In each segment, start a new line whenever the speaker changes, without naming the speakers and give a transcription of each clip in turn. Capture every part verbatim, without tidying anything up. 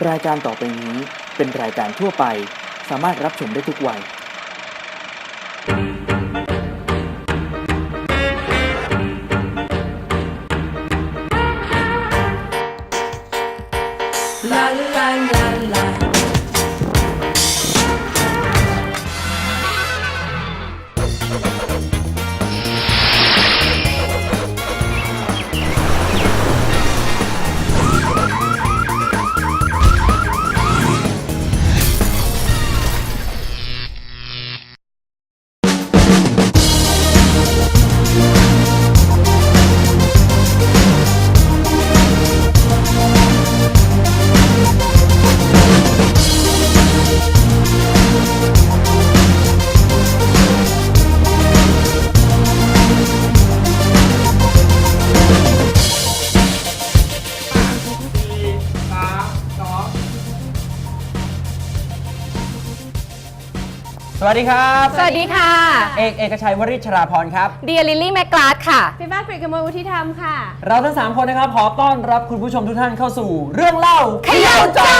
รายการต่อไปนี้เป็นรายการทั่วไปสามารถรับชมได้ทุกวัยลาลาลาลา
สวัสดีครับ
สวัสดีค่ะ
เอกเอกชัยวริชราพรครับ
เดียลิลลี่แมกลาดค่ะ
พี่ฟ้ากฤษกมลวุฒิธรรมค่ะ
เราทั้งสามคนนะครับขอต้อนรับคุณผู้ชมทุกท่านเข้าสู่เรื่องเล่าเขย่าจอ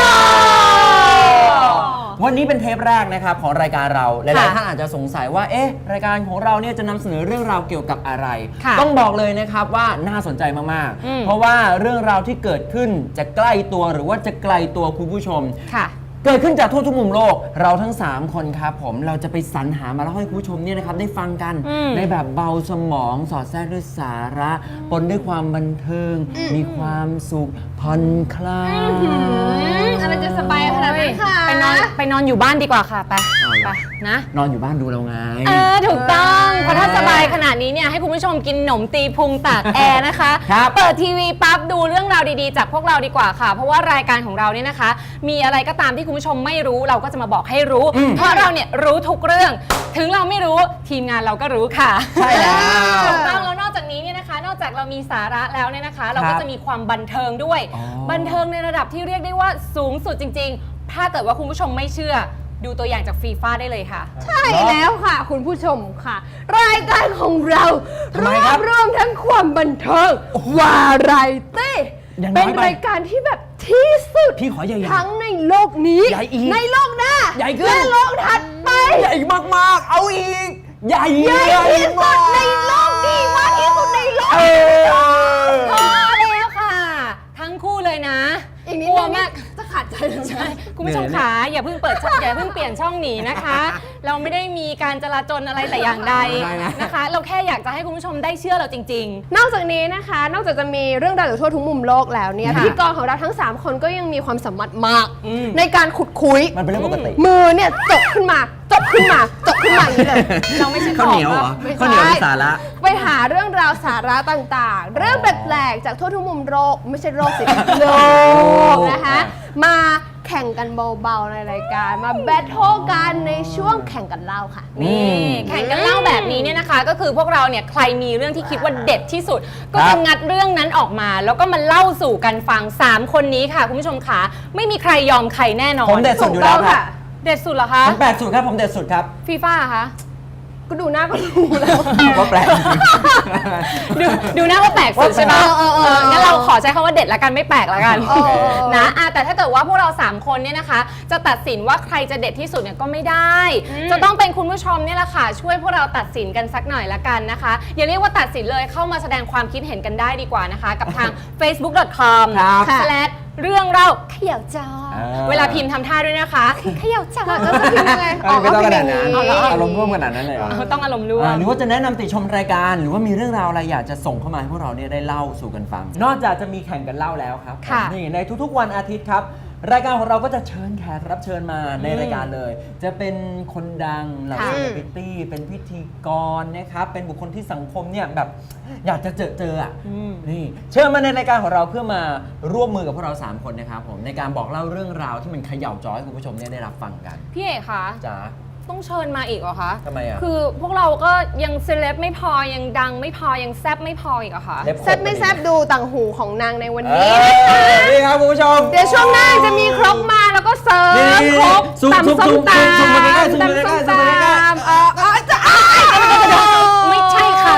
วันนี้เป็นเทปแรกนะครับของรายการเราหลายๆท่านอาจจะสงสัยว่าเอ๊ะรายการของเราเนี่ยจะนำเสนอเรื่องราวเกี่ยวกับอะไรต้องบอกเลยนะครับว่าน่าสนใจมากๆเพราะว่าเรื่องราวที่เกิดขึ้นจะใกล้ตัวหรือว่าจะไกลตัวคุณผู้ชมเกิดขึ้นจากทั่วทุกมุมโลกเราทั้งสามคนครับผมเราจะไปสรรหามาเล่าให้คุณผู้ชมเนี่ยนะครับได้ฟังกันในแบบเบาสมองสอดแทรกด้วยสาระปนด้วยความบันเทิงมีความสุขผ่อนคลาย
อะไรจะสบายขนาดนั้นค่ะ
ไปนอนไปนอนอยู่บ้านดีกว่าค่ะไปไปนะ
นอนอยู่บ้านดูเราไง
เออถูกต้องเพราะถ้าสบายขนาดนี้เนี่ยให้คุณผู้ชมกินหนมตีพุงตากแอร์นะคะเปิดทีวีปั๊บดูเรื่องราวดีๆจากพวกเราดีกว่าค่ะเพราะว่ารายการของเราเนี่ยนะคะมีอะไรก็ตามที่คุณผู้ชมไม่รู้เราก็จะมาบอกให้รู้เพราะเราเนี่ยรู้ทุกเรื่องถึงเราไม่รู้ทีมงานเราก็รู้ค่ะ
ใช่แล้ว
ถูกต้องแล้วนอกจากนี้เนี่ยนะคะนอกจากเรามีสาระแล้วเนี่ยนะคะเราก็จะมีความบันเทิงด้วยบันเทิงในระดับที่เรียกได้ว่าสูงสุดจริงๆถ้าเกิดว่าคุณผู้ชมไม่เชื่อดูตัวอย่างจากฟีฟ่าได้เลยค่ะ
ใช่แล้วค่ะคุณผู้ชมค่ะรายการของเรารวบรวมทั้งความบันเทิงวาไรตี้เป็นรายการที่แบบที่สุด
พี่ขอใหญ่
ทั้งในโลกนี้ในโลกหน้า
ใหญ่ขึ้น
และโลกถัดไป
ใหญ่มากๆเอาอีกใหญ่
ใหญ่ที่สุดในโลกนี้มากที่สุดในโลก
พอแล้วค่ะทั้งคู่เลยนะ
อีกนิดนึงจะขาดใจเลยใช่
คุณผู้ชมขาอย่าเพิ่งเปิดช่องอย่าเพิ่งเปลี่ยนช่องหนีนะคะเราไม่ได้มีการจราจรอะไรแต่อย่างใดนะคะเราแค่อยากจะให้คุณผู้ชมได้เชื่อเราจริง
ๆนอกจากนี้นะคะนอกจากจะมีเรื่องราวจากทั่วทุกมุมโลกแล้วเนี่ยพิธีกรของเราทั้งสามคนก็ยังมีความสามารถมากในการขุดคุย
มันเป็นเรื่องปกติ
มือเนี่ยจบขึ้นมาจบขึ้นมาจบขึ้นมาอย่างนี้เลย
เราไม่ใช่
ข้าวเหนียวเหรอข้าวเหนียวสาระ
ไปหาเรื่องราวสาระต่างๆเรื่องแปลกๆจากทั่วทุกมุมโลกไม่ใช่โลกสิโลกนะคะมาแข่งกันเบาๆในรายการมาแบทเทิลกันในช่วงแข่งกันเล่าค่ะ
นี่แข่งกันเล่าแบบนี้เนี่ยนะคะก็คือพวกเราเนี่ยใครมีเรื่องที่คิดว่าเด็ดที่สุดก็จะงัดเรื่องนั้นออกมาแล้วก็มาเล่าสู่กันฟังสามคนนี้ค่ะคุณผู้ชมขาไม่มีใครยอมใครแน่นอน
ผมเด็ดสุดอยู่แล้วค่ะ
เด็ดสุดเหรอคะ
ผมแปลกสุดครับผมเด็ดสุดครับ
ฟีฟ่าคะ
ก็ดูหน้าก็รู้แล้ว
ว่าแปลก
ดูดูหน้าว่าแปลกสุดใช่ไหมงั้นเราขอใช้คำว่าเด็ดละกันไม่แปลกละกันนะแต่ถ้าเกิดว่าพวกเราสามคนเนี่ยนะคะจะตัดสินว่าใครจะเด็ดที่สุดเนี่ยก็ไม่ได้จะต้องเป็นคุณผู้ชมเนี่ยแหละค่ะช่วยพวกเราตัดสินกันสักหน่อยละกันนะคะอย่าเรียกว่าตัดสินเลยเข้ามาแสดงความคิดเห็นกันได้ดีกว่านะคะกับทาง เฟซบุ๊ก ดอท คอม สแลช เรื่องเราเขย่าจอเวลาพิมพ์ทำท่าด้วยนะคะเขย่าจอ
แล้วจะพิมพ์ยังไง
อ๋อไม่ต้องขนาดนั้นอารมณ์ร่วมขนาดนั้นเลยเหรอ
ต้องอารมณ์ร่วม
หรือว่าจะแนะนำติชมรายการหรือว่ามีเรื่องราวอะไรอยากจะส่งเข้ามาให้พวกเราเนี่ยได้เล่าสู่กันฟังนอกจากจะมีแข่งกันเล่าแล้วครับนี่ในทุกๆวันอาทิตย์ครับรายการของเราก็จะเชิญแขกรับเชิญมาในรายการเลยจะเป็นคนดังเหล่าเซเลบริตี้เป็นพิธีกรนะครับเป็นบุคคลที่สังคมเนี่ยแบบอยากจะเจอเจออ่ะนี่เชิญมาในรายการของเราเพื่อมาร่วมมือกับพวกเราสามคนนะครับผมในการบอกเล่าเรื่องราวที่มันเขย่าจอให้คุณผู้ชมเนี่ยได้รับฟังกัน
พี่เอกคะ
จ๋า
ต้องเชิญมาอีกเหรอคะ
ทำไมอ่ะ
คือพวกเราก็ยังเซเลบไม่พอยังดังไม่พอยังแซบไม่พออีกเหรอคะ
แซบไม่แซบดูต่างหูของนางในวันนี้
นี่ครับคุณผู้ชม
เดี๋ยวช่วงหน้าจะมีครกมาแล้วก็เสิร์ฟครกตำส้มตำตำส้มตำเออจะไม่ใช่ค่ะ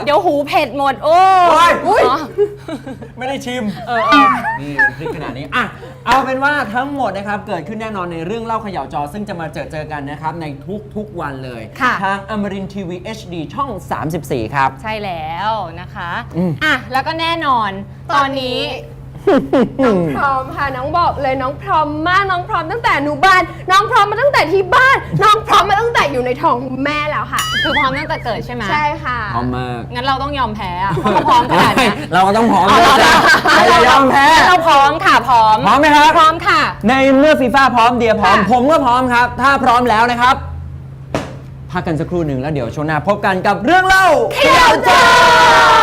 เดี๋ยวหูเผ็ดหมดโอ้
โอ้ยอุ๊ย
อ๋อ
ไม่ได้ชิม
เออเออ
นี่พริกขนาดนี้อ่ะเอาเป็นว่าทั้งหมดนะครับเกิดขึ้นแน่นอนในเรื่องเล่าเขย่าจอซึ่งจะมาเจอเจอกันนะครับในทุกๆวันเลย
ค่ะ
ทางอมรินทีวี เอช ดี ช่อง สามสิบสี่ ครับ
ใช่แล้วนะคะ
อืม
อ่ะแล้วก็แน่นอนตอนนี้
น้องพร้อมค่ะน้องบอกเลยน้องพร้อมมากน้องพร้อมตั้งแต่อนุบาลน้องพร้อมมาตั้งแต่ที่บ้าน น้องพร้อมมาตั้งแต่อยู่ในท้องแม่แล้วค่ะ
คือพร้อมตั้งแต่เกิดใช่ไหม
ใช่ค่ะ
พร้อมมาก
งั้นเราต้องยอมแพ้อะเพราะเขาพร้อมขนาดเนี้ย
เราก็ต้องพร้อม
เอาเรา
นะใครจะยอมแพ้
เราพร้อมค่ะพร้อม
พร้อมไหมครับ
พร้อมค่ะ
ในเมื่อฟีฟ่าพร้อมเดียพร้อม
ค่ะ
ผมก็พร้อมครับ ถ้าพร้อมแล้วนะครับพักกันสักครู่หนึ่งแล้วเดี๋ยวช่วงหน้าพบกันกับเรื่องเล่า
เขย่าจอ